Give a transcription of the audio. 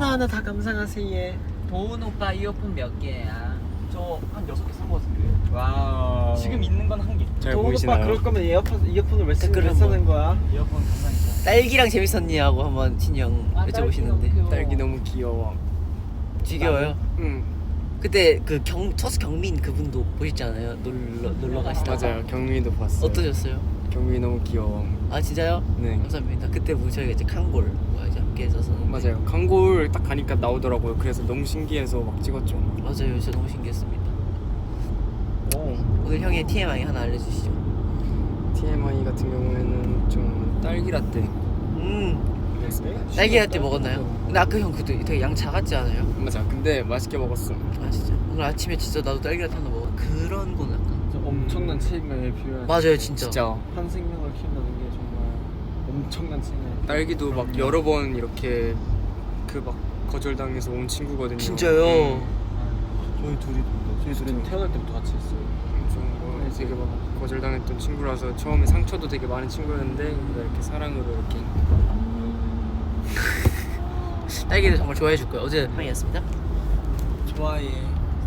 하나하나 다 감상하세요. 도훈 오빠 이어폰 몇 개야? 저 한 6개 산 거 같은데. 와우. 지금 있는 건 한 개. 잘 도훈 오빠 보이시나요? 그럴 거면 이어폰을 왜 댓글 쓰는 거야? 이어폰 감상이죠. 딸기랑 재밌었니? 하고 한번 친형 여쭤보시는데 딸기 너무 귀여워. 지겨워요? 응. 그때 그 첫수 경민 그분도 보셨잖아요. 놀러 가시다가. 맞아요. 경민이도 봤어요. 어떠셨어요? 경민이 너무 귀여워. 아 진짜요? 네. 감사합니다. 그때 뭐 저희가 이제 칸골 이제 함께 했어서 맞아요. 광고를 딱 가니까 나오더라고요. 그래서 너무 신기해서 막 찍었죠. 맞아요. 진짜 너무 신기했습니다. 오. 오늘 형의 TMI 하나 알려주시죠. TMI 같은 경우에는 좀 딸기 라떼. 딸기 라떼 먹었나요? 근데 아까 형 그때 되게 양 작았지 않아요? 맞아. 근데 맛있게 먹었어. 아 진짜 오늘 아침에 진짜 나도 딸기 라떼 하나 먹어. 그런 거는 약간 엄청난 책임감이 필요한. 맞아요 진짜. 진짜 한 생명을 키운다는 게 정말 엄청난 책임감. 딸기도 막 여러 번 이렇게 그 막 거절당해서 온 친구거든요. 진짜요? 저희 둘은 태어날 때부터 같이 했어요. 좀 되게 막 거절당했던 친구라서 처음에 상처도 되게 많은 친구였는데 이렇게 사랑으로 이렇게 딸기를 정말 좋아해 줄 거예요. 어제 형이었습니다. 좋아해.